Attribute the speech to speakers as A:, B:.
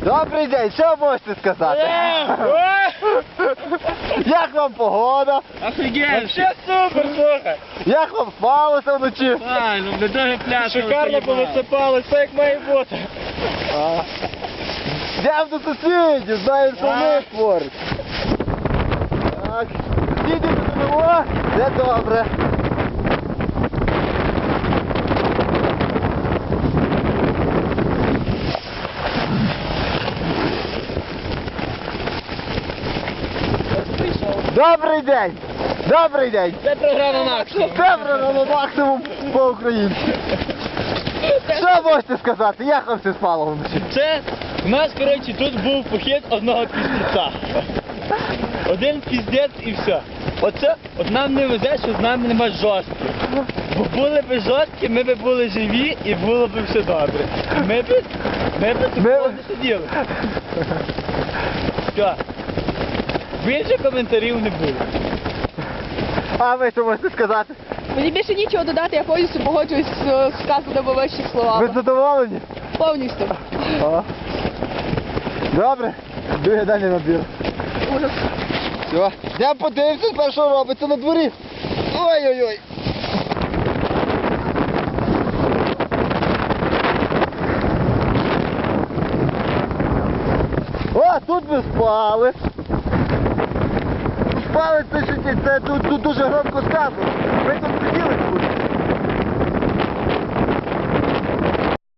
A: Добрий день, що можете сказати? Як вам погода?
B: Офігенно! Все супер, слухай!
A: Як вам спалося вночі?
B: Правильно, ми дуже пляшки. Шикарно повисипали, все як має бути.
A: Йдемо до сусідів, знаємо, що вони творять. Так, сусідів додамо, все добре. Добрий день! Добрий день!
B: Це програма максимум.
A: Це програма максимум по-українськи. Що можете сказати? Як вам все спало вночі?
B: Це у нас, коротше, тут був похід одного піздеця. Один піздець і все. Оце, от нам не везе, що з нами нема жорстких. Бо були б жорсткі, ми б були живі і було б все добре. Ми б такого не сиділи. Все. Більше коментарів не було.
A: А ви що можете сказати?
C: Мені більше нічого додати, я повністю погоджуюсь з сказаними вищих
A: Ви
C: словами.
A: задоволені?
C: Повністю.
A: О. Добре, друге далі набір.
C: Ужас.
A: Все, я подивився тепер, що робиться на дворі. Ой-ой-ой. О, тут ми спали. Спали, це тут дуже громко сказано. Ми тут сиділи тут.